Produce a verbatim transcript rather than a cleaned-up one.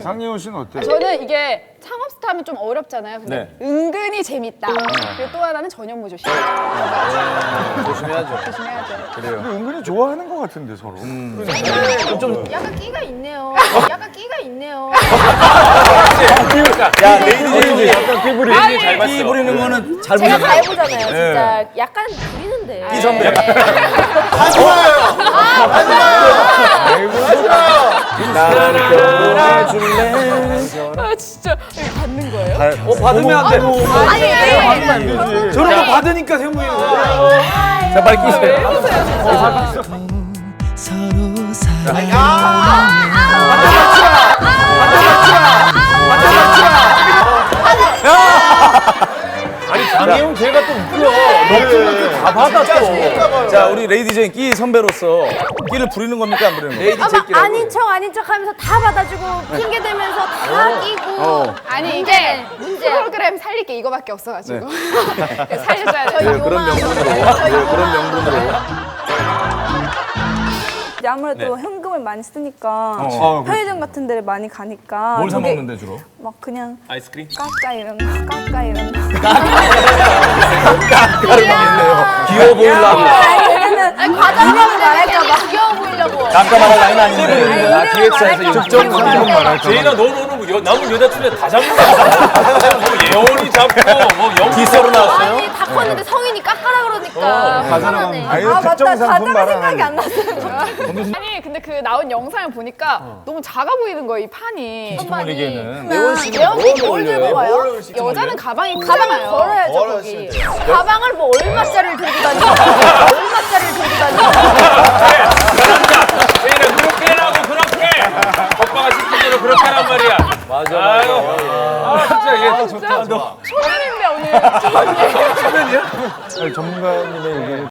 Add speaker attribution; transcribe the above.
Speaker 1: 상예원 씨는 어때요?
Speaker 2: 저는 이게 창업스타 하면 좀 어렵잖아요. 근데
Speaker 3: 네.
Speaker 2: 은근히 재밌다. 그리고 또 하나는 전현무 조심.
Speaker 3: 조심해야죠.
Speaker 2: 조심해야죠.
Speaker 1: 근데 은근히 좋아하는 것 같은데 서로.
Speaker 3: 좀
Speaker 4: 약간 끼가 있네요. 약간 끼가 있네요.
Speaker 3: 야, 레이디
Speaker 1: 약간 피부리.
Speaker 3: 잘 봤어. 끼 부리는 거는 잘
Speaker 4: 제가
Speaker 3: 보잖아요.
Speaker 4: 잘 보잖아요. 진짜 약간 부리는데.
Speaker 3: 끼 선배. 나를 껴줄래?
Speaker 2: 아 진짜 이거 받는 거예요?
Speaker 3: 어, 받으면 안 돼.
Speaker 4: 아니,
Speaker 1: 하면 안 되지.
Speaker 3: 저런 거 받으니까 세무이. 자, 빨리 끼세요.
Speaker 5: 서로 사랑
Speaker 3: 아니, 장혜용 걔가 또 웃겨. 너다 받아 또. 자, 우리 레이디 제인 끼 선배로서 끼를 부리는 겁니까, 안 부리는 겁니까?
Speaker 4: 아, 막 아닌 척 아닌 척 하면서 다 받아주고 핑계 대면서 다 끼고.
Speaker 2: 아니 이게
Speaker 4: 문제.
Speaker 2: 프로그램 살릴 게 이거밖에 없어가지고 살려줘야
Speaker 4: 저희
Speaker 2: 돼요.
Speaker 3: 그런 명분으로.
Speaker 4: 저희
Speaker 3: 그런 명분으로.
Speaker 6: 이제 아무래도 현금을 많이 쓰니까
Speaker 1: 어,
Speaker 6: 편의점 같은 데를 많이 가니까
Speaker 3: 뭘 사
Speaker 6: 되게
Speaker 3: 먹는데 주로?
Speaker 6: 막 그냥
Speaker 3: 아이스크림?
Speaker 6: 까까 이런 거 까까 이런 거
Speaker 3: 까까를 먹겠네요. 귀여워 보이려고.
Speaker 6: 아니 왜냐면
Speaker 4: 아니, 과자 말할까봐 귀여워 보이려고.
Speaker 3: 깜깜 말할 라인 아닌데.
Speaker 6: 아,
Speaker 3: 기획사에서
Speaker 6: 직접
Speaker 7: 제인아 너는 여, 남은 여자친구에 다 잡는 거야. 뭐 예원이 잡고 뭐 영.
Speaker 3: 기서로 나왔어요?
Speaker 4: 아니 다 컸는데 성인이 깎아라 그러니까. 화나네.
Speaker 1: 아예
Speaker 6: 아 맞다
Speaker 1: 특정 상품
Speaker 6: 과자가 생각이
Speaker 1: 말하는.
Speaker 6: 안 났어요.
Speaker 2: 아니 근데 그 나온 영상을 보니까 너무 작아 보이는 거예요 이 판이.
Speaker 7: 올리기에는
Speaker 4: 예원 씨는 뭘 들고 와요?
Speaker 2: 여자는 가방이
Speaker 4: 가방을
Speaker 2: 크잖아요.
Speaker 4: 걸어야죠 거기. 가방을 뭐 얼마짜리를 들고 다니고 얼마짜리를 들고 다니고.
Speaker 7: 제인아 그렇게 해라고 그렇게. 오빠가 시킨 대로 그렇게 하란 말이야.
Speaker 3: 맞아,
Speaker 7: 아유.
Speaker 3: 맞아.
Speaker 7: 아 진짜 얘
Speaker 2: 진짜 초면인데 오늘.
Speaker 1: 아니, 전문가님의 의견이